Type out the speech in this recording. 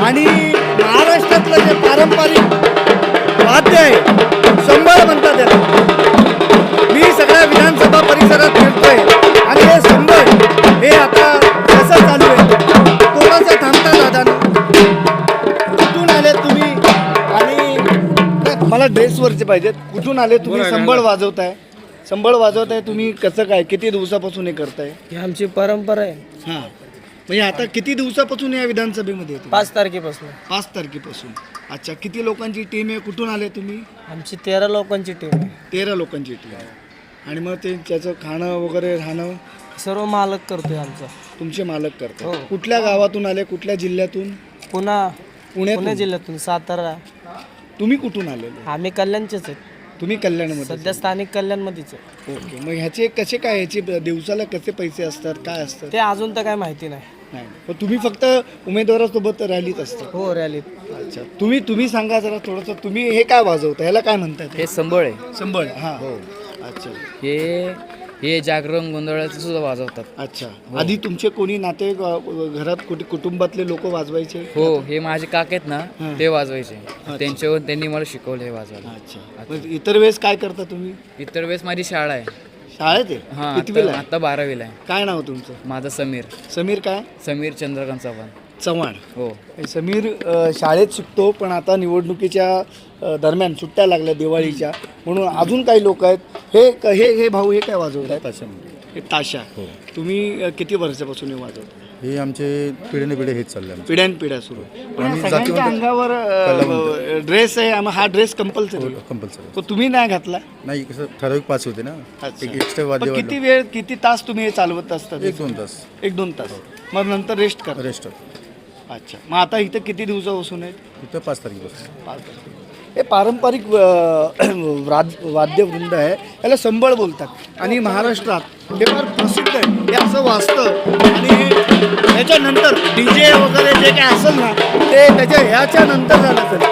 आणि महाराष्ट्रातलं जे पारंपरिक वाद्य आहे संबळ म्हणतात त्याला. मी सगळ्या विधानसभा परिसरात फिरतोय आणि हे संबळ हे आता कसं चालू आहे थोडंसं थांबता दादा. कुठून आले तुम्ही आणि मला ड्रेसवरचे पाहिजेत. कुठून आले तुम्ही? संबळ वाजवताय, संबळ वाजवताय तुम्ही. कसं काय, किती दिवसापासून हे करताय? ही आमची परंपरा आहे. हां, म्हणजे आता किती दिवसापासून या विधानसभेमध्ये येतो? 5 तारखेपासून. 5 तारखेपासून. अच्छा, किती लोकांची टीम आहे? कुठून आले तुम्ही? आमची 13 लोकांची टीम आहे. 13 लोकांची टीम आहे. आणि मग ते त्याचं खाणं वगैरे राहणं सर्व मालक करतोय आमचा. तुमचे मालक करतात? हो. कुठल्या गावातून आले, कुठल्या जिल्ह्यातून? पुणे जिल्ह्यातून, सातारा. तुम्ही कुठून आलेले? आम्ही कल्याणचेच आहेत. तुम्ही कल्याणमध्ये? सध्या स्थानिक कल्याणमध्येच आहे. ओके. मग ह्याचे कसे काय, ह्याचे दिवसाला कसे पैसे असतात, काय असतात? ते अजून तर काय माहिती नाही. नाही, पण तुम्ही फक्त उमेदवारासोबत रॅलीत असता? हो, रॅलीत. अच्छा, तुम्ही सांगा जरा थोडंसं. तुम्ही हे काय वाजवता, ह्याला काय म्हणतात? हे संबळ आहे. संबळ. हां. हो. अच्छा. हे जागरण गोंधळाचं सुद्धा वाजवतात. अच्छा. आधी तुमचे कोणी नाते घरात कुटुंबातले लोक वाजवायचे? हो, हे माझे काका आहेत ना, हां. ते वाजवायचे. त्यांनी मला शिकवलं हे वाजवायला. अच्छा. मग इतर वेळेस काय करता तुम्ही? इतर वेळेस माझी शाळा आहे. शाळेत आहे? हां, कितवीला आहे? आता 12वीला आहे. काय नाव तुमचं? माझं समीर. समीर काय? समीर चंद्रकांत चव्हाण. चव्हाण. हो. समीर शाळेत शिकतो, पण आता निवडणुकीच्या दरम्यान सुट्ट्या लागल्या दिवाळीच्या, म्हणून अजून काही लोक आहेत. हे भाऊ हे काय वाजवतात? हे ताशा. तुम्ही किती वर्षापासून हे वाजवता? हे आमचे पिढीने पिढी हेच चालले आमचे. पिढ्यानपिढ्या सुरू. पण आणि सगळ्यांच्या जातीवंत अंगावर ड्रेस आहे, हा ड्रेस कंपल्सरी. कंपल्सरी तो तुम्ही नाही घातला? नाही, कसं ठराविक पास होते ना. अच्छा. एक एक्स्ट्रा वाद्य पण किती वेळ, किती तास तुम्ही हे चालवत असतात? 1-2 तास 1-2 तास. मग नंतर रेस्ट करा? रेस्ट. अच्छा. मग आता इथं किती दिवसापासून आहेत? इथं 5 तारखेपासून. 5 तारखेपासून. हे पारंपरिक वाद्यवृंद आहे, याला संबळ बोलतात. आणि महाराष्ट्रात हे फार प्रसिद्ध आहे. हे असं वाजतं आणि त्याच्यानंतर DJ वगैरे जे काय असेल ना, ते त्याच्या ह्याच्या नंतर झालं असेल.